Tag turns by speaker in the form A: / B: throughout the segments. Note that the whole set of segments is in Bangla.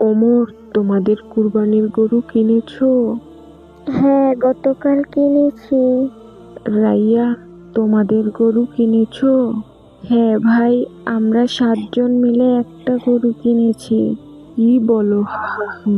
A: ওমর, তোমাদের কুরবানির গরু কিনেছো?
B: হ্যাঁ, গতকাল কিনেছি।
A: রাইয়া, তোমাদের গরু কিনেছো? হ্যাঁ ভাই, আমরা 7 জন মিলে একটা গরু কিনেছি। কি বলো? হা হা হা।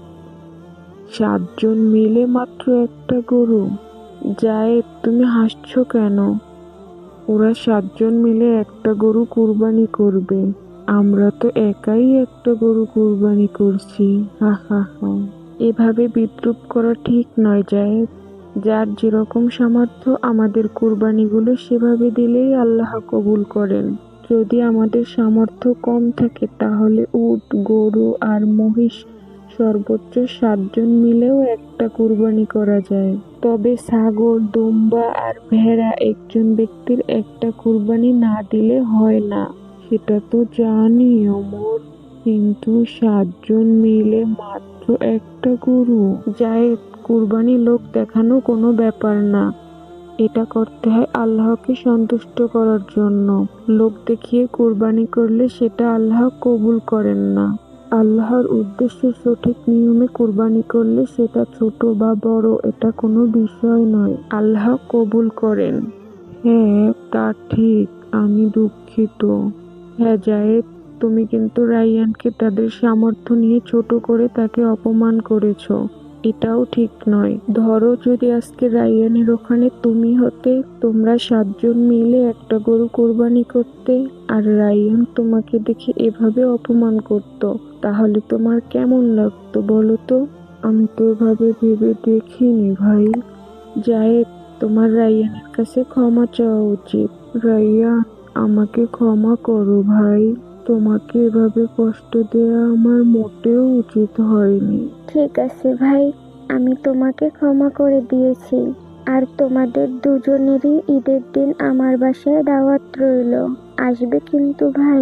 A: 7 জন মিলে মাত্র একটা গরু? জায়েদ, তুমি হাসছো কেন? ওরা 7 জন মিলে একটা গরু কুরবানি করবে, আমরা তো একাই একটা গরু কুরবানি করছি। হা হা হা। এভাবে বিদ্রূপ করা ঠিক নয় জায়েদ। যার যেরকম সামর্থ্য আমাদের কুরবানিগুলো সেভাবে দিলেই আল্লাহ কবুল করেন। যদি আমাদের সামর্থ্য কম থাকে তাহলে উট, গরু আর মহিষ সর্বোচ্চ 7 জন মিলেও একটা কুরবানি করা যায়। তবে ছাগল, দুম্বা আর ভেড়া একজন ব্যক্তির একটা কুরবানি না দিলে হয় না। সেটা তো জানি ওমর, কিন্তু 7 জন মিলে মাত্র একটা গরু? জায়েদ, কুরবানি লোক দেখানো কোনো ব্যাপার না। এটা করতে হয় আল্লাহকে সন্তুষ্ট করার জন্য। লোক দেখিয়ে কুরবানি করলে সেটা আল্লাহ কবুল করেন না। আল্লাহর উদ্দেশ্যে সঠিক নিয়মে কুরবানি করলে সেটা ছোট বা বড় এটা কোনো বিষয় নয়, আল্লাহ কবুল করেন। হ্যাঁ, তা ঠিক। আমি দুঃখিত। হ্যাঁ জায়েদ, তুমি কিন্তু রায়্যানকে তাদের সামর্থ্য নিয়ে ছোট করে তাকে অপমান করেছো। এটাও ঠিক নয়। ধরো যদি আজকে রায়্যানের ওখানে তুমি হতে, তোমরা 7 জন মিলে একটা গরু কোরবানি করতে, আর রায়্যান তোমাকে দেখে এভাবে অপমান করত, তাহলে তোমার কেমন লাগতো বলো তো? আমি তো এভাবে ভেবে দেখিনি ভাই। জায়েদ, তোমার রায়্যানের কাছে ক্ষমা চাওয়া উচিত। রায়্যান, আমাকে ক্ষমা করো ভাই। তোমাকে এভাবে কষ্ট দেওয়া আমার মোটেও উচিত হয়নি।
B: ঠিক আছে ভাই, আমি তোমাকে ক্ষমা করে দিয়েছি। আর তোমাদের দুজনেরই ঈদের দিন আমার বাসায় দাওয়াত রইলো। আসবে কিন্তু ভাই।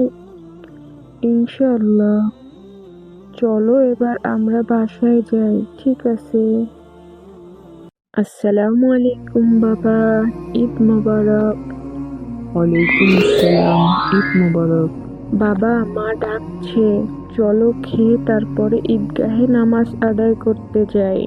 A: ইনশাআল্লাহ। চলো এবার আমরা বাসায় যাই। ঠিক আছে। আসসালামু আলাইকুম বাবা, ঈদ মোবারক। ওয়ালাইকুম আসসালাম, ঈদ মোবারক। বাবা, মা ডাকছে, চলো খেয়ে তারপরে ঈদগাহে নামাজ আদায় করতে যাই।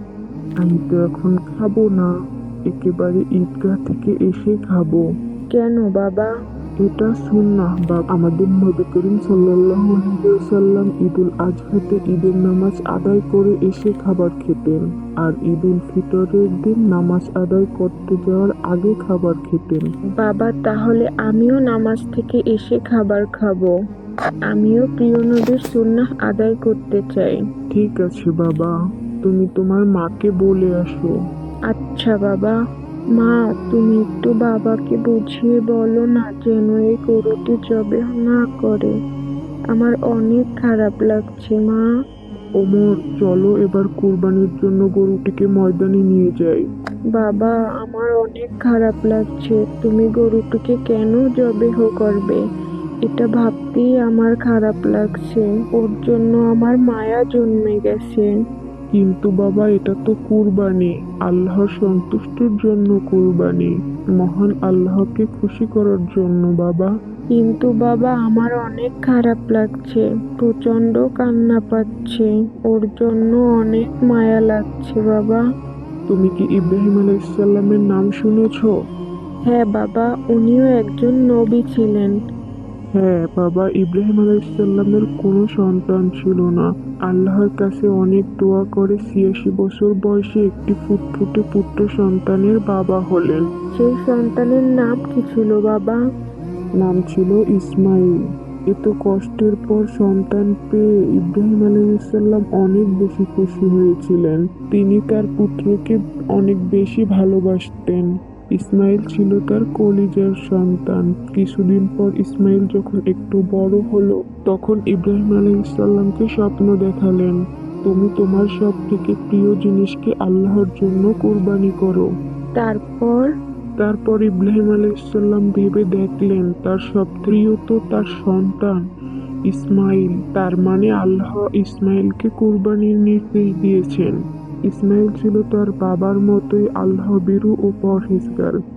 A: আমি তো এখন খাবো না, একেবারে ঈদগাহ থেকে এসে খাবো। কেন বাবা? এটা সুন্নাহ বাবা। আমাদের নবী করিম সাল্লাল্লাহু আলাইহি ওয়াসাল্লাম ঈদুল আজহাতে ঈদের নামাজ আদায় করে এসে খাবার খেতেন, আর ঈদুল ফিতরের দিন নামাজ আদায় করতে যাওয়ার আগে খাবার খেতেন। বাবা, তাহলে আমিও নামাজ থেকে এসে খাবার খাবো। আমিও প্রিয় নবীর সুন্নাহ আদায় করতে চাই। ঠিক আছে বাবা, তুমি তোমার মাকে বলে আসো। আচ্ছা বাবা। মা, তুমি একটু বাবাকে বুঝিয়ে বলো না যেন এই গরুটি জবেহ না করে। আমার অনেক খারাপ লাগছে মা। ওমর, চলো এবার কুরবানির জন্য গরুটিকে ময়দানে নিয়ে যাই। বাবা, আমার অনেক খারাপ লাগছে। তুমি গরুটিকে কেন জবেহ করবে? এটা ভাবতেই আমার খারাপ লাগছে। ওর জন্য আমার মায়া জন্মে গেছে। কিন্তু বাবা, এটা তো কুরবানি, আল্লাহর সন্তুষ্টির জন্য কুরবানি, মহান আল্লাহকে খুশি করার জন্য বাবা। কিন্তু বাবা, আমার অনেক খারাপ লাগছে, প্রচন্ড কান্না পাচ্ছে, ওর জন্য অনেক মায়া লাগছে বাবা। তুমি কি ইব্রাহিম আলাইহিসসালামের নাম শুনেছো? হ্যাঁ বাবা, উনিও একজন নবী ছিলেন। হ্যাঁ বাবা, ইব্রাহিম আলাইহিসসালামের কোনো সন্তান ছিল না। আল্লাহর কাছে অনেক দোয়া করে ৮৬ বছর বয়সে একটি ফুটফুটে পুত্র সন্তানের বাবা হলেন। সেই সন্তানের নাম কি ছিল বাবা? নাম ছিল ইসমাইল। এত কষ্টের পর সন্তান পেয়ে ইব্রাহিম আলাইহিসসালাম অনেক বেশি খুশি হয়েছিলেন। তিনি তার পুত্রকে অনেক বেশি ভালোবাসতেন। ইসমাইল ছিল তার কলিজার সন্তান। কিছুদিন পর ইসমাইল যখন একটু বড় হলো, তখন ইব্রাহিম আলাইহিসসালামকে স্বপ্ন দেখালেন, তুমি তোমার সব থেকে প্রিয় জিনিসকে আল্লাহর জন্য কুরবানি করো। তারপর? তারপর ইব্রাহিম আলাইহিসসালাম ভেবে দেখলেন তার সব প্রিয় তো তার সন্তান ইসমাইল, তার মানে আল্লাহ ইসমাইলকে কুরবানির নির্দেশ দিয়েছেন। ইসমাইল ছিল তার বাবার মতোই আল্লাহ ভীরু ও পরহেজগার।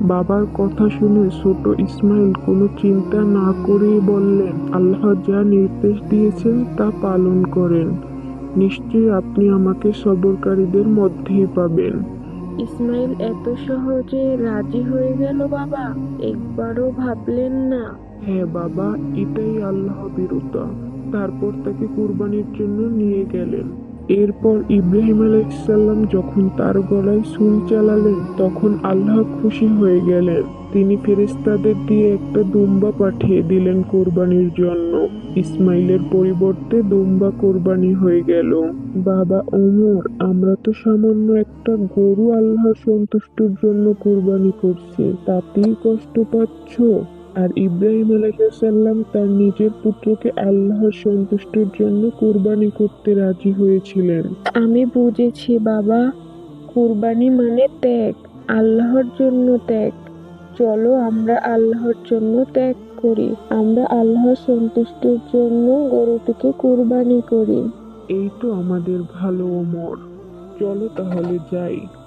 A: বাবার কথা শুনে ছোট ইসমাইল কোনো চিন্তা না করেই বললেন, আল্লাহ যা নির্দেশ দিয়েছেন তা পালন করেন। নিশ্চয়ই আপনি আমাকে সবরকারীদের মধ্যেই পাবেন। ইসমাইল এত সহজে রাজি হয়ে গেল বাবা? একবারও ভাবলেন না? হ্যাঁ বাবা, এটাই আল্লাহ বিরুদ্ধা। তারপর তাকে কুরবানির জন্য নিয়ে গেলেন। এরপর ইব্রাহিম আলাইহিসসালাম যখন তার গলায় ছুরি চালালেন, তখন আল্লাহ খুশি হয়ে গেলেন। তিনি ফেরেশতাদের দিয়ে একটা দুম্বা পাঠিয়ে দিলেন কোরবানির জন্য। ইসমাইলের পরিবর্তে দুম্বা কোরবানি হয়ে গেল। বাবা ওমর, আমরা তো সামান্য একটা গরু আল্লাহর সন্তুষ্টির জন্য কোরবানি করছি, তাতেই কষ্ট পাচ্ছ? আর ইব্রাহিম আলাইহিসসালাম তার নিজের পুত্রকে আল্লাহর সন্তুষ্টির জন্য কুরবানি করতে রাজি হয়েছিলেন। আমি বুঝেছি বাবা, কুরবানি মানে ত্যাগ, আল্লাহর জন্য ত্যাগ। চলো আমরা আল্লাহর জন্য ত্যাগ করি, আমরা আল্লাহর সন্তুষ্টির জন্য গরুটিকে কুরবানি করি। এই তো আমাদের ভালো ওমর, চলো তাহলে যাই।